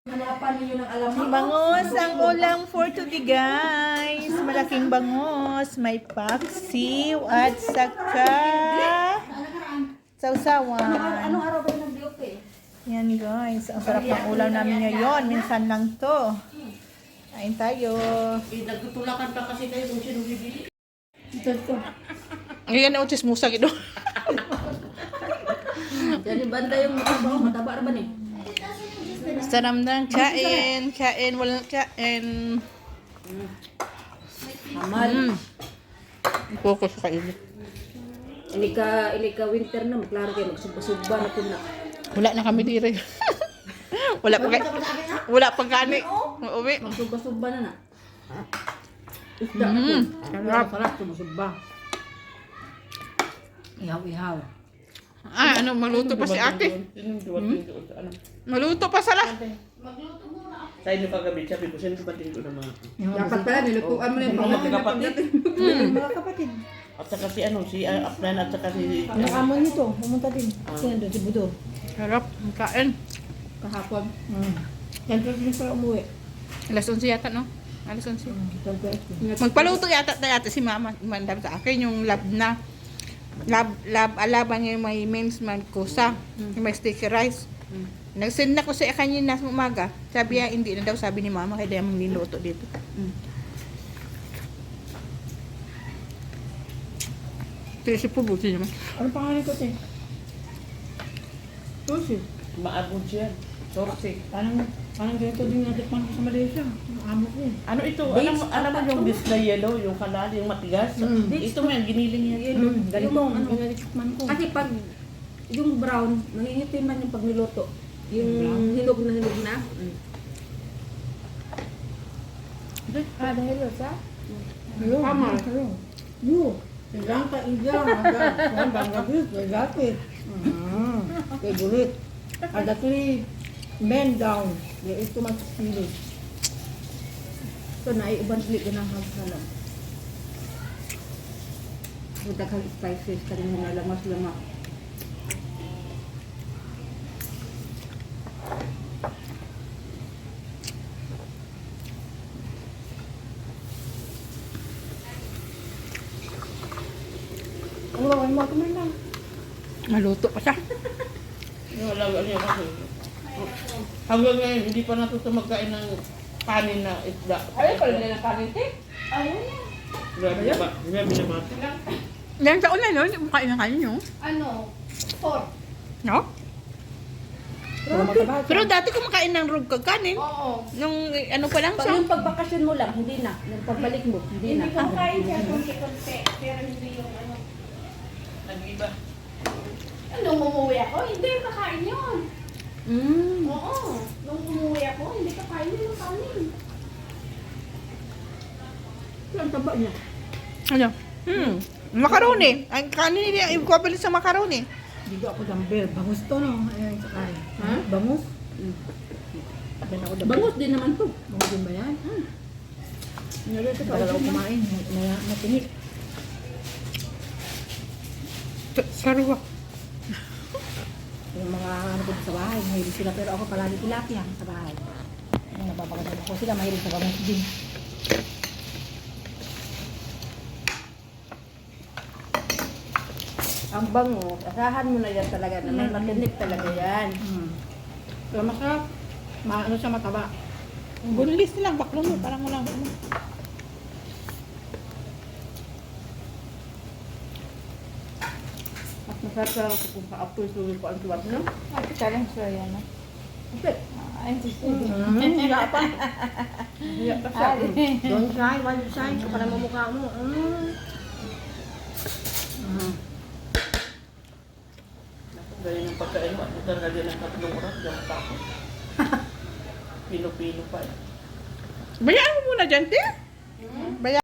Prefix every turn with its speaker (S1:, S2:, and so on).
S1: Hanapan ninyo ng alam mo.
S2: Bangus ang ulam for today, guys. Malaking bangus. May paksiw at saka sausawan.
S1: Anong araw ba yung nag-diop eh?
S2: Yan, guys. Ang sarap ng ulam namin ngayon. Minsan lang to. Kain tayo.
S3: Nagtutulakan pa kasi kayo kung sino bibili.
S2: Ngayon na utis musa gido.
S1: Jadi banda yung mataba ba ni?
S2: Sarap ng kain. Kain. Walang kain.
S1: Amal.
S2: Focus sa kain.
S1: Ini ka winter na maklaro kayo magsugba-sugba na kun na.
S2: Wala na kami dire. Wala pang kani. Uwi.
S1: Magsugba-sugba na na. Isda. Sarap sumusugba. Ihaw-ihaw.
S2: Ah, ano, maluto pa si ate. Maluto pa sala.
S3: Sa inyo kagabi, sabi ko, sino ba tingin ko na mga...
S1: Dapat pala nilutuan mo na yung
S3: Mga kapatid.
S1: Mga kapatid.
S3: At saka si ano, si Afnan at saka si...
S1: Ang amo nito, pumunta din. Sino doon si Budo?
S2: Sarap. Ang kain.
S1: Kahapon. Yan pa din para umuwi.
S2: Alas 11 yata, no? Alas 11. Magpaluto yata si mama. Mandam sa akin yung lab na. Alaban niya yung may men's man kusa. Yung may sticky rice. Nagsend na ko sa kanina sa umaga. Sabi niya, hindi na daw, sabi ni mama, kaya mong niluto dito. Pero si Pubuti naman.
S1: Ano pangalan ko, te? Susi.
S3: Maagod siya. Sorsi.
S1: Parang ganito din natikman ko sa Malaysia. Ang amo ko.
S3: Ano ito? Alam mo yung display yellow, yung kanal, yung matigas? Ito mo yung giniling niya.
S1: Ganito ang natikman ko. Kasi pag yung brown, nangingitim man yung pag niluto. Yung hinog na. Dahil sa? Tama. Yo. Ilang ka ilang. Ang bangabis, gagapit. Kay gulit. Ada tuli men down. Ya itu masuk sini. So naik uban sulit dengan hal-hal. Sudah kali spices kali mga lemas-lemak. Allah, ay mo kumain na.
S2: Maluto pa siya.
S3: Yung alaga niya kasi. Hanggang ngayon, hindi pa natuto magkain ng kanin na isda.
S1: Ay, pala nila ng kanin, te? Ayun yan.
S3: Grabe na ba? Grabe na ba?
S2: Ilang taon na, no? Hindi mo kain ng kanin nyo.
S4: Ano? Pork.
S2: No? Pero dati kumakain ng rug kanin.
S4: Oo.
S2: Nung ano pa lang
S1: Pag
S2: siya.
S1: yung pagbakasyon mo lang, hindi na. Nung pagbalik mo, hindi na.
S4: Hindi ko kain siya konti-konti. Pero hindi yung ano.
S3: Nag-iba.
S4: Nung umuwi ako, hindi kakain yun. Oo. Nung umuwi ako, hindi kakain yun ng kanin.
S1: Ang taba niya.
S2: Ano? Macaroni. Ang kanin niya, equivalent sa macaroni.
S1: Hindi ako dumbbell. Bangus to, no? Ayan, sa kain. Ha? Bangus? Bangus din naman to. Bangus din ba yan? Nalito ka ako kumain. Matinik.
S2: Sarwa.
S1: Yung mga ano po sa bahay, mahilig sila. Pero ako palagi tilapia sa bahay. Yung napapagandang ko sila, mahilig sa bangus din. Ang bangus, asahan mo na yan talaga na may matinik talaga yan. Pero masarap. Ano siya mataba.
S2: Bunlis lang, baklo mo. Parang walang ano.
S1: At masarap talaga kung kaapoy suwi ko ang tuwat, no?
S2: Ay, challenge siya yan, no?
S1: Okay.
S2: Ay,
S1: Hiya pa. Hiya pa siya. Don't try, why you try? Ito pa naman mukha mo.
S3: Gaya ng pagkain mo, ito na din ang 3 oras, diyan pa ako. Pino-pino pa eh.
S2: Bayaan mo muna dyan, te. Bayaan.